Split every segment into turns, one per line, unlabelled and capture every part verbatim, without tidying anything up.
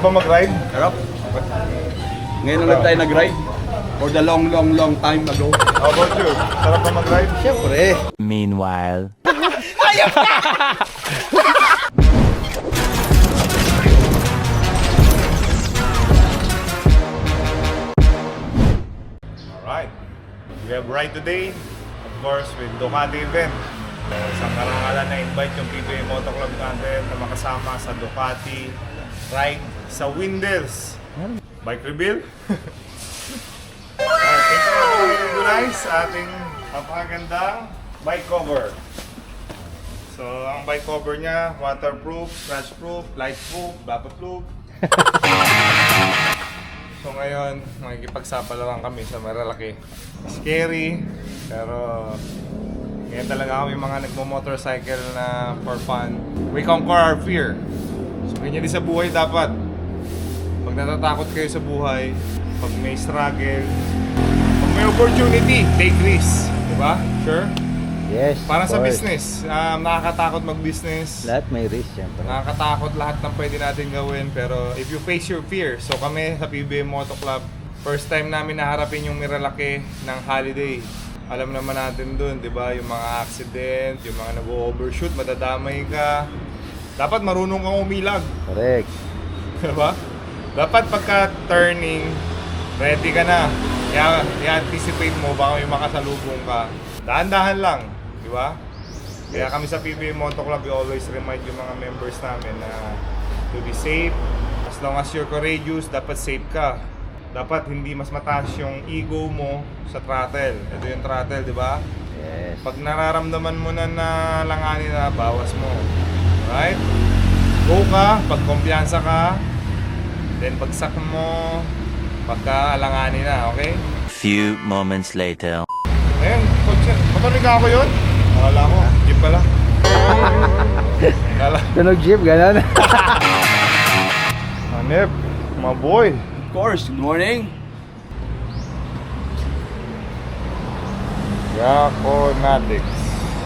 ba mag-ride?
Sarap. Ngayon lang tayo nag-ride. For the long, long, long time ago.
How about you? Sarap ba mag-ride?
Siyempre.
Meanwhile.
Alright. We have ride today. Of course, with Ducati event. So, isang karangalan na invite yung P B A Moto Club natin na makasama sa Ducati ride sa Windels. Bike reveal. Alright, thank you for recognize sa ating napakagandang bike cover. So, ang bike cover niya, waterproof, scratch-proof, light-proof, vapor-proof. So ngayon, makikipagsapalaran kami sa Marilaki. Scary, pero ngayon talaga kami mga nagmo-motorcycle na for fun. We conquer our fear. So ganyan din sa buhay dapat. Pag natatakot kayo sa buhay, pag may struggle, pag may opportunity, take risks. Diba? Sure?
Yes.
Para sa
of course.
business, um, nakakatakot mag-business.
Lahat may risk, syempre.
Nakakatakot lahat ng pwede natin gawin, pero if you face your fear, so kami sa P B A Moto Club, first time namin naharapin yung Miralaki ng holiday. Alam naman natin dun, di ba? Yung mga accident, yung mga nag-overshoot, madadamay ka. Dapat marunong kang umilag.
Correct.
Di ba? Dapat pagka turning, ready ka na. Kaya i-anticipate mo, baka may makasalubong ka. Dahan-dahan lang, di ba? Kaya kami sa P B A Moto Club, we always remind yung mga members namin na to be safe. As long as you're courageous, dapat safe ka. Dapat hindi mas mataas yung ego mo sa throttle. Ito yung throttle, di ba?
Yes.
Pag nararamdaman mo na na langanin na, bawas mo. Right? Go ka, pag kumpiyansa ka, then pagsak mo, pagka alanganin na, okay?
Few moments later.
Ayun, motorik ako yun? Akala ko, jeep pala. Akala.
Tunog jeep, gano'n.
Hanep, my boy.
Of course, good morning.
Yakonatics.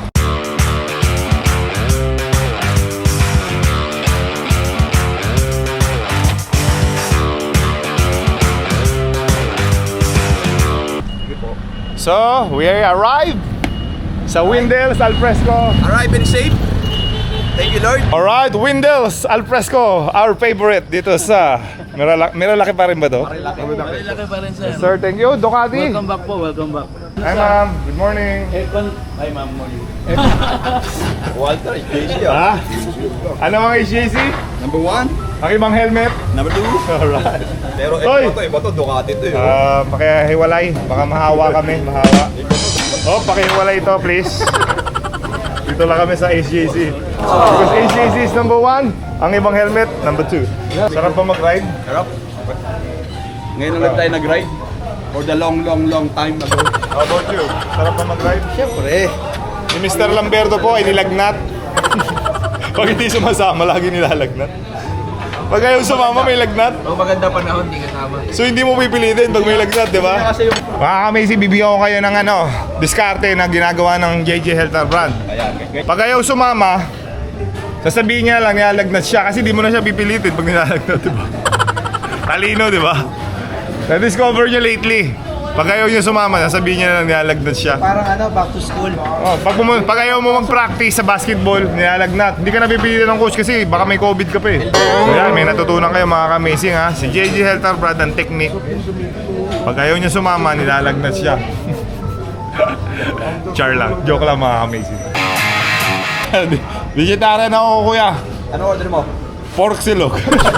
So, we arrived sa Windels Alfresco.
Arrive and safe. Thank you, Lord.
Alright, Windels Alfresco, our favorite dito sa Miralaki. Miralaki pa rin ba to?
Marilaki pa rin, sir.
Sir, thank you. Ducati.
Welcome back po, welcome back.
Hi ma'am, good morning.
Hi, ma'am. Walter, J C.
Ha? Ano mga H J C?
Number one.
Ang ibang helmet?
Number two.
Alright.
Pero
Hoy!
iba to, iba to, Ducati to. eh.
Ah, pakihiwalay. Baka mahawa kami, mahawa. Oh, pakihiwalay ito, please. Dito lang kami sa H J C. Because H J C is number one, ang ibang helmet, number two. Sarap ba mag-ride?
Sarap. Ngayon lang tayo nag-ride. For the long, long, long time ago.
How about you? Sarap ba mag-ride?
Siyempre.
Si Mister Lamberto po ay nilagnat. Pag hindi sumasama, lagi nilalagnat. Pag ayaw sumama, may lagnat.
Pag maganda panahon, di kasama.
So hindi mo pipilitin pag may lagnat, di ba?
Kasi yung...
Mga ka-Macy, bibigyan ko kayo ng ano, diskarte na ginagawa ng J J Health Brand.
Ayan.
Pag ayaw sumama, sasabihin niya lang nilalagnat siya kasi di mo na siya pipilitin pag nilalagnat, di ba? Talino, di ba? Na-discover niya lately. Pag ayaw niya sumama, sasabihin niya lang nilalagnat siya.
Parang ano, back to school.
Oh, pag, pumu- pag ayaw mo mag-practice sa basketball, nilalagnat. Hindi ka napipilitin ng coach kasi baka may COVID ka pa eh. So yan, may natutunan kayo mga ka-amazing ha. Si J J Health Brand ang technique. Pag ayaw niya sumama, nilalagnat siya. Char lang. Joke lang mga ka-amazing. Vegetarian ako kuya.
Ano order mo?
Pork silog.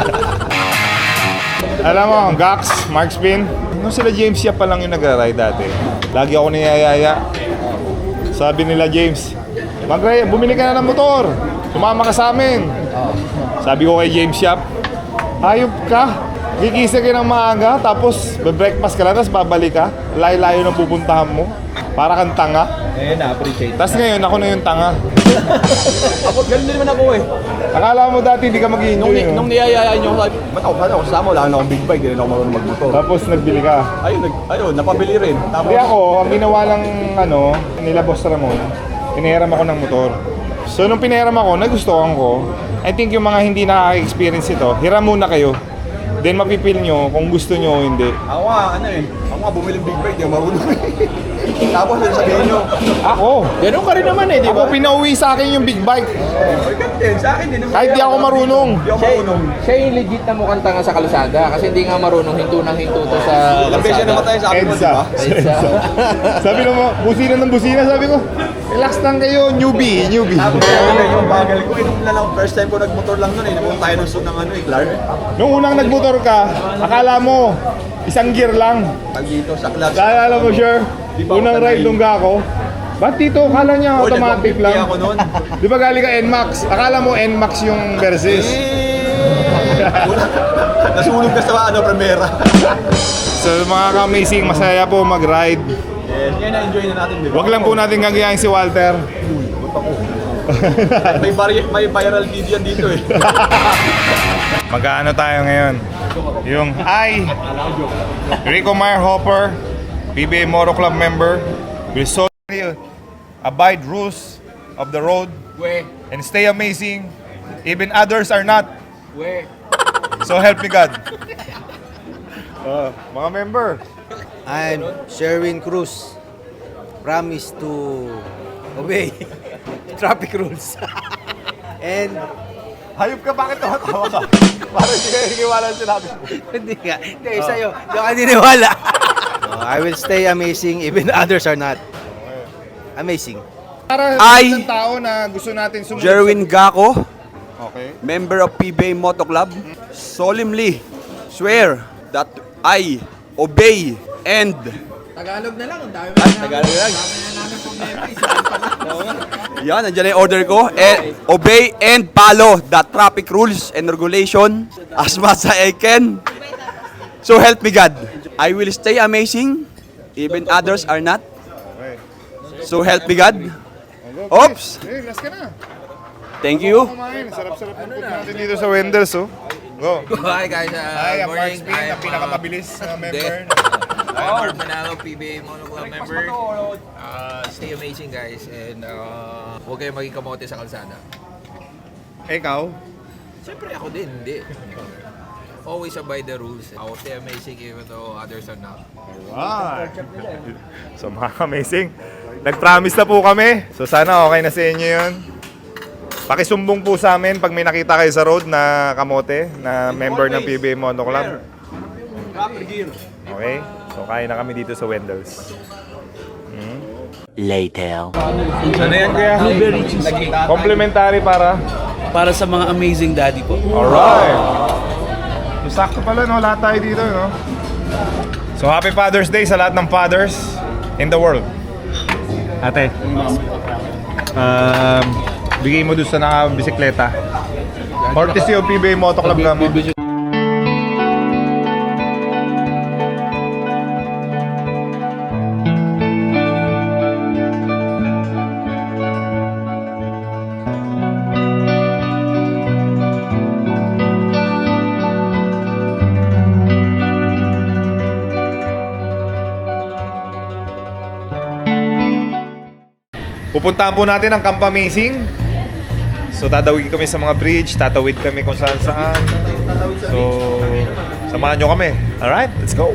Alam mo, Gax, Mark Spin, nung sila James Yap pa lang yung nagra-ride dati. Lagi ako niyayaya. Sabi nila James, mag-ride, bumili ka na ng motor. Sumama ka sa amin. Sabi ko kay James Yap, hayop ka. Gigisa ka ng maaga, tapos be-breakfast ka lang, tapos babalik ka. Layo-layo na pupuntahan mo. Para kang tanga.
Eh, na-appreciate.
Tapos ngayon, ako na yung tanga.
Ako, ganun din naman ako eh.
Akala mo dati hindi ka mag-i-enjoy.
Nung, ni,
no?
nung niyayayaan nyo, sabi, ba't ako, ba't ako kasama? Wala na akong big bike, hindi na ako marunong magmotor.
Tapos nagbili ka.
Ayun, nag, ayun, napabili rin. Tapos,
Hindi ako, ang ginawa ng ano, nila Boss Ramon, pinahiram ako ng motor. So nung pinahiram ako, nagustuhan ko. I think yung mga hindi nakaka-experience ito, hiram muna kayo. Then mapipil nyo kung gusto nyo o hindi.
Ako nga, ano eh. Ako nga bumili ng big bike, di ako marunong eh. Tapos yun sabihin nyo,
Ako!
Ganun ka rin naman eh, di
Ako pinauwi sa akin yung big bike.
ay din, sa akin din.
Kahit di ako marunong.
Di ako marunong.
Siya yung legit na mukhang tanga sa kalsada kasi hindi nga marunong hinto ng hinto to sa
Ilang beses na namatay sa akin mo, di
Edsa.
ba?
Sabi naman, busina ng busina. Sabi ko, relax lang kayo, newbie, newbie.
Tapos ano yung bagal ko, inum na lang, first time ko nagmotor lang nun eh. Napunta tayo ng suit ng ano eh, Clark.
Nung unang nagmotor ka, akala mo, isang gear lang.
Pag dito sa clutch.
Kaya alam mo, sure,
Di ba
unang
ako
ride
sanay?
nung ako, ba't dito, akala niya
Oh,
automatic
nag-one fifty
lang.
ako nun.
Di ba galing ka N MAX? Akala mo N MAX yung Versys.
Eh, Nasunog ka sa ano, Primera.
So mga ka-amazing, masaya po mag-ride.
Yes, ngayon na-enjoy na natin, di ba?
Huwag lang po natin gagayahin si Walter.
May, vari- may viral video yan dito eh.
Magkaano tayo ngayon? Yung I, Rico Meyerhopper, P B A Moto Club member, will solely abide rules of the road
We,
and stay amazing, even others are not.
we.
So help me God. Uh, mga member,
I'm Sherwin Cruz. Promise to obey traffic rules. And
hayop ka, bakit tumatawa ka? Parang hindi ka naniwala sa sinabi mo.
hindi nga, hindi sa'yo, hindi ka niniwala. So, I will stay amazing even others are not. Amazing.
Para
I,
sa tao na gusto natin sumunod.
Jerwin Gaco,
Okay.
member of P B A Moto Club, solemnly swear that I obey and
Tagalog na lang, ang dami
Ay, Tagalog lang. Yan, nandiyan na yung order ko. Eh, obey and follow the traffic rules and regulation as much as I can. So help me God. I will stay amazing, even others are not.
Okay.
So help me God.
Go,
Oops.
Hey, last ka na.
Thank you.
Kumain. Sarap-sarap ng food natin dito sa Wendels, oh. Go.
Hi guys, uh,
Hi, ang Mark
morning.
Spin, ang
I'm,
pinakamabilis na member.
I'm Mark Manalo, P B A Mono Club member. Uh, stay amazing guys and uh, huwag kayong maging kamote sa kalsada.
Ikaw?
Siyempre ako din, hindi. Always abide the rules. I will stay amazing even though others are not.
Alright. So mga amazing, nag-promise na po kami. So sana okay na sa inyo yun. Pakisumbong po sa amin pag may nakita kayo sa road na kamote, na member ng P B A Moto Club. Okay? So kaya na kami dito sa Wendels.
Later.
Ano yan kuya? Complimentary para?
Para sa mga amazing daddy po.
Alright. So, sakto pala, no? Lahat tayo dito, no? So, happy Father's Day sa lahat ng fathers in the world. Ate, um, bigay mo doon sa nakabisikleta. Courtesy of P B A Moto Club na mo. Pupuntahan po natin ang Camp Amazing. So tatawid kami sa mga bridge, tatawid kami kung saan saan. So samahan nyo kami. Alright, let's go!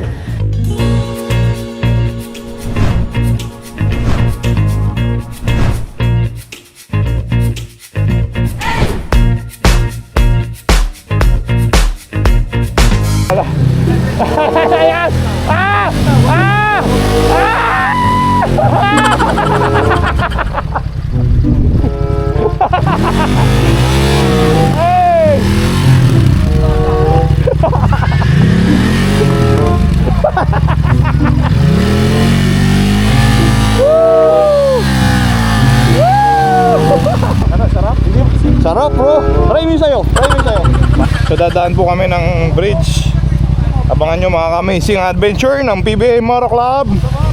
Sarap bro! Try mo yung sayo! Try mo yung sayo! So dadaan po kami ng bridge. Abangan nyo mga amazing adventure ng P B A Moto Club.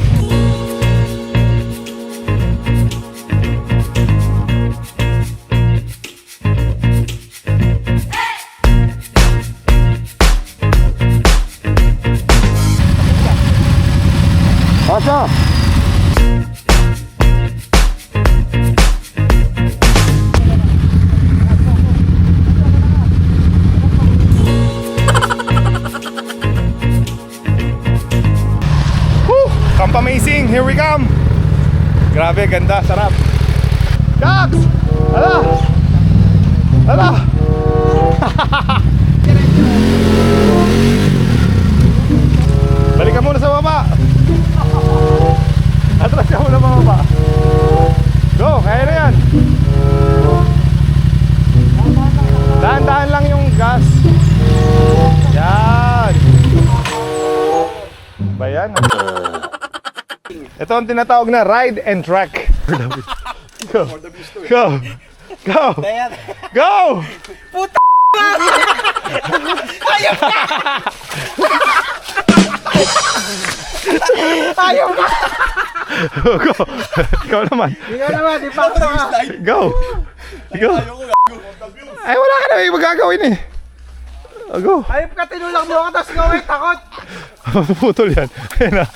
Pasok! Jump amazing, here we come. Grabe, ganda, sarap. Dax! Ala! Ala! Balik ka muna sa baba. Atras ka muna baba. Go, kaya na yan. Dahan-dahan lang yung gas. Yan. Ba yan? Ito ang tinatawag na ride and track. Go. Go. Go. Go. Puta. Ayaw ka. Ayaw ka. Go. Ikaw naman.
Ikaw naman, di pa ito ka.
Go. Go. Ay, wala ka na may magagawin eh. Oh, go.
Ayop ka, tinulak mo ako, tapos ikaw ay takot.
Putol yan. Ayun na.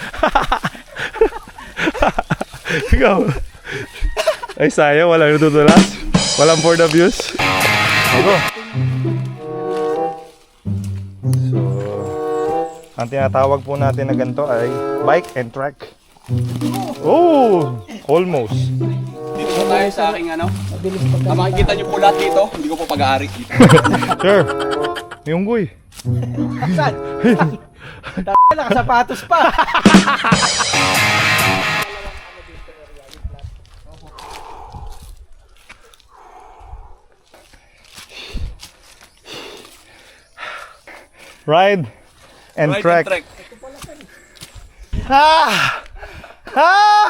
Go. Ay, sayang. Walang natutulas. Walang for the views. Oh, go. So, ang tinatawag po natin na ganito ay bike and track. Oh, almost.
Dito tayo sa aking ano. Ang makikita niyo po lahat dito, hindi ko po pag-aari.
Sure. Yung guy.
Saan? Nakasapatos pa.
Ride and
Ride
track.
and track.
Ah! Ah!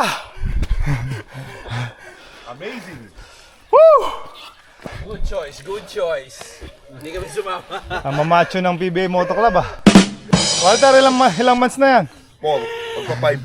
Amazing.
Woo!
Good choice, good choice. Hindi kami sumama.
Ang mamacho ng P B A Moto Club ah. Walter, ilang, ma- ilang months na yan?
Paul, pagpa-five.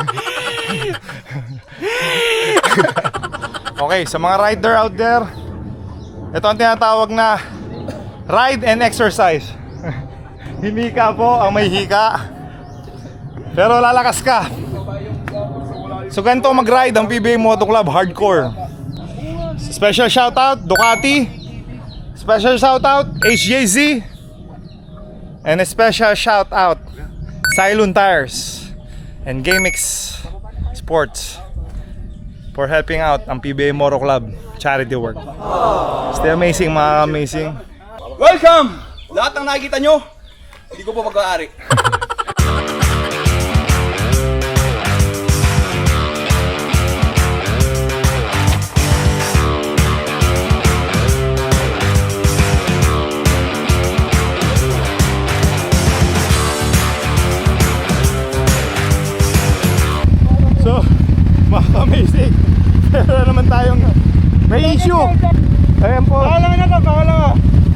Okay, sa mga rider out there, ito ang tinatawag na ride and exercise. Himika po ang may hika, pero lalakas ka. So ganito mag-ride ang P B A Moto Club, hardcore. Special shoutout Ducati, special shoutout H J Z, and a special shoutout Cylon Tires and GameX Sports for helping out ang P B A Moto Club charity work. Stay amazing, mga amazing.
Welcome! Lahat ng nakikita nyo, hindi ko po pag-aari.
So, mga amazing. Pero naman tayong may issue. Ayan po. Kawalan na to, kawalan ka.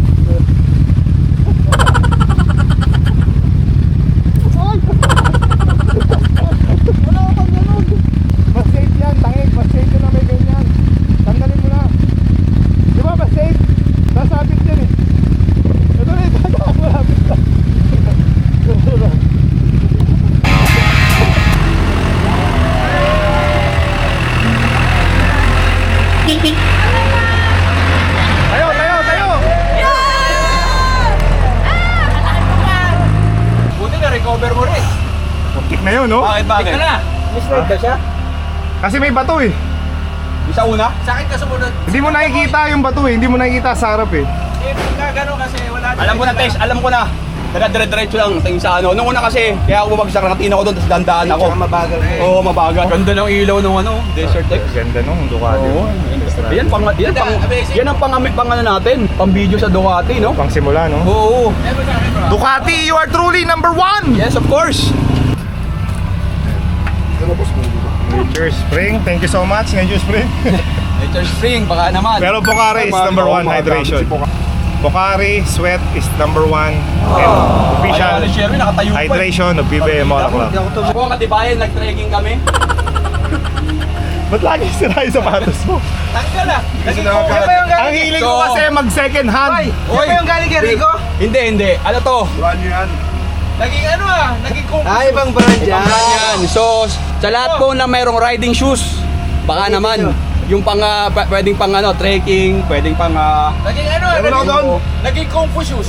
Mas safe yan, tangik. Mas safe yun na may ganyan. Tanggalin mo na. Di ba mas safe? Sasabit yan eh. Ito na yung dadaan. Malapit na. Ito na. Tayo, tayo, tayo!
Buti na, recover mo rin.
Muntik na yun, no?
Bakit, bakit?
Mislide ba siya?
Kasi may bato eh.
Yung sa una?
Sa akin ka sumunod.
Hindi mo nakikita yung bato eh. Hindi mo nakikita sa harap eh.
Eh, gano'n kasi wala.
Alam ko na, Tess, alam ko na. Dire-diretso lang, tingin sa ano. Nung una kasi, kaya ako bumagsak, nakatina ko doon, tapos dandaan ako.
Tsaka mabagal na eh.
Oo, mabagal. Ganda ng ilaw ng ano, Desert X.
Ganda nung Ducati.
Oo. Yan, pang, yan, pang, yan ang pang, pang ano natin, pang video sa Ducati, no?
Pang simula, no?
Oo.
Ducati, you are truly number one!
Yes, of course.
Nature Spring, thank you so much, Nature Spring.
Nature Spring, baka naman.
Pero Pocari is number one, hydration. Pocari Sweat is number one and official
Ayaw, Sherwin, nakatayo pa eh.
hydration of P B A Moto Club.
Ako ang katibayan, nag-trekking kami.
Ba't lagi sira yung sapatos mo?
Tanggal ah. Naging
Yan ba yung
Ang
galing?
hiling ko
So-
kasi mag second hand.
Ay, yan ba yung galing kay Rico?
Hindi, hindi. Ano to?
Naging ano ah. Naging kung.
Ah, ibang brand yan.
Yan. So, sa lahat po na mayroong riding shoes, baka naman, yung pang, uh, p- pwedeng pang ano, trekking, pwedeng pang, uh,
Naging ano ah.
Meron ako doon.
Naging, naging kung fu shoes.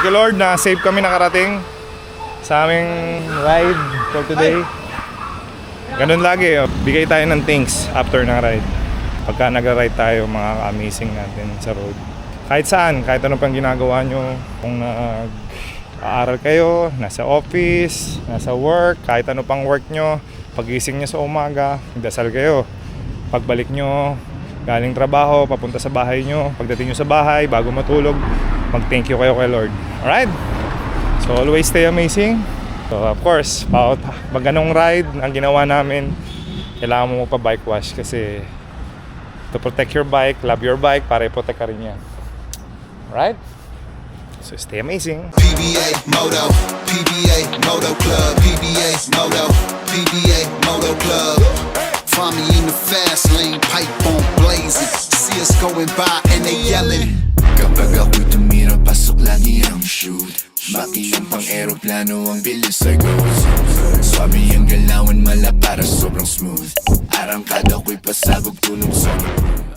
Thank you Lord na safe kami nakarating sa aming ride for today. Ganun lagi, oh. Bigay tayo ng thanks after ng ride. Pagka nag-ride tayo, mga amazing natin sa road. Kahit saan, kahit ano pang ginagawa nyo, kung nag-aaral kayo, nasa office, nasa work, kahit ano pang work nyo, pagising nyo sa umaga, dasal kayo. Pagbalik nyo, galing trabaho, papunta sa bahay nyo, pagdating nyo sa bahay, bago matulog, mag-thank you kayo kay Lord. Alright? So always stay amazing. So of course, pag pag ganong ride ang ginawa namin, kailangan mo pa bike wash kasi to protect your bike, love your bike, para i-protect ka rin yan. Alright? So stay amazing.
P B A Moto, P B A Moto Club, P B A Moto, P B A Moto Club. Find me in the fast lane, pipe on blazing. See us going by and they yelling.
Kapag ako'y tumira, pasok lagi ang shoot. Makiyang pang aeroplano ang bilis ay goes. Swabe ang galawan, mala para sobrang smooth. Arangkada ko'y pasabog tulong sa